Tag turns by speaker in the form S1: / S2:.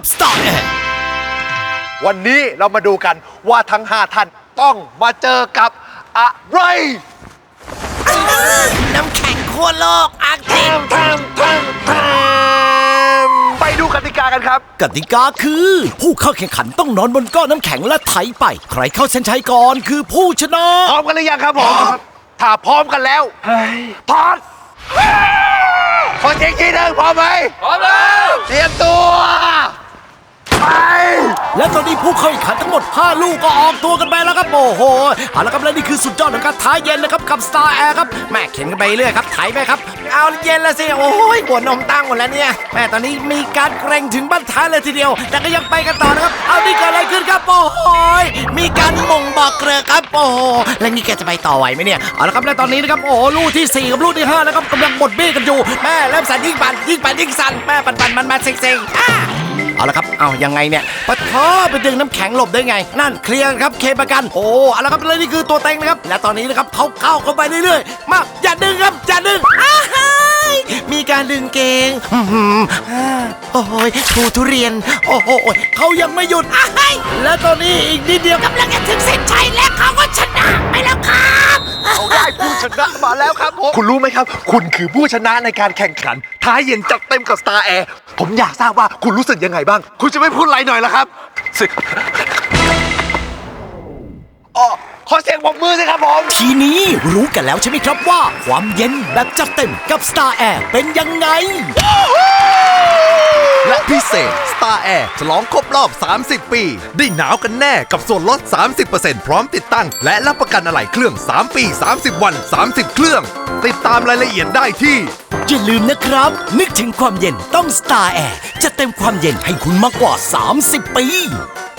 S1: Star Air
S2: วันนี้เรามาดูกันว่าทั้ง 5 ท่านต้องมาเจอกับอะไร
S3: น้ำแข็งขั้วโลกอาร์กติก
S2: ไปดูกติกากันครับ
S1: กติกาคือ ผู้เข้าแข่งขันต้องนอนบนก้อนน้ำแข็งและไถไป ใครเข้าเส้นชัยก่อนคือผู้ชนะ
S2: พร้อมกันหรือยังครับผม ถ้าพร้อมกันแล้วพอดขอเช็คทีหนึ่งพร้อมไหมพร้อมแล้วเตรียมตัวไป
S1: และตอนนี้ผู้เข้าแข่งขันทั้งหมด 5 ลูกก็ออกตัวกันไปแล้วครับโอ้โหเอาละครับและนี่คือสุดยอดของการท้าเย็นนะครับกับ Star Air ครับแม่เข็นกันไปเรื่อยครับไถไปครับเอาเย็นแล้วสิโอ้ยหัวนมตั้งหมดแล้วเนี่ยแม่ตอนนี้มีการเกรงถึงบั้นท้ายเลยทีเดียวแต่ก็ยังไปกันต่อนะครับเอานี่เกิดอะไรขึ้นครับโอ้โหมีการมงบอกเกลือครับโอ้โหแล้วนี่แกจะไปต่อไหวไหมเนี่ยเอาละครับและตอนนี้นะครับโอ้โหลูกที่ 4 กับลูกที่5นะครับกำลังบดเบี้ยกันอยู่แม่เริ่มสั่นยิ่งสั่นแม่ปั่นมันเซ็งเอาละครับเอายังไงเนี่ยปะท้อไปดึงน้ำแข็งหลบได้ไงนั่นเคลียร์ครับเคประกันโอ้เอาละครับเลยนี่คือตัวเต็งนะครับและตอนนี้นะครับเขาเข้าไปเรื่อยๆมาอย่าดึงครับอย่าดึงมีการดึงเกงโอ้ยทูทุเรียนโอ้โหเขายังไม่หยุดและตอนนี้อีกนิดเดียวกำลังจะถึงเส้นชัยและเขาก็ชนะไปแล้วครับ
S2: เอาได้ผู้ชนะมาแล้วครับผมคุณรู้ไหมครับ คุณคือผู้ชนะในการแข่งขันท้ายเย็นจัดเต็มกับ Star Air ผมอยากทราบว่าคุณรู้สึกยังไงบ้าง คุณจะไม่พูดอะไรหน่อยเหรอครับขอเสียงปรบมือสิครับผม
S1: ทีนี้รู้กันแล้วใช่ไหมครับว่าความเย็นแบบจัดเต็มกับ Star Air เป็นยังไง
S4: และพิเศษ Star Air ฉลองครบรอบ 30 ปี ได้หนาวกันแน่กับส่วนลด 30% พร้อมติดตั้ง และรับประกันอะไหล่เครื่อง 3 ปี 30 วัน 30 เครื่อง ติดตามรายละเอียดได้ที่
S1: อย่าลืมนะครับ นึกถึงความเย็นต้อง Star Air จะเต็มความเย็นให้คุณมากกว่า 30 ปี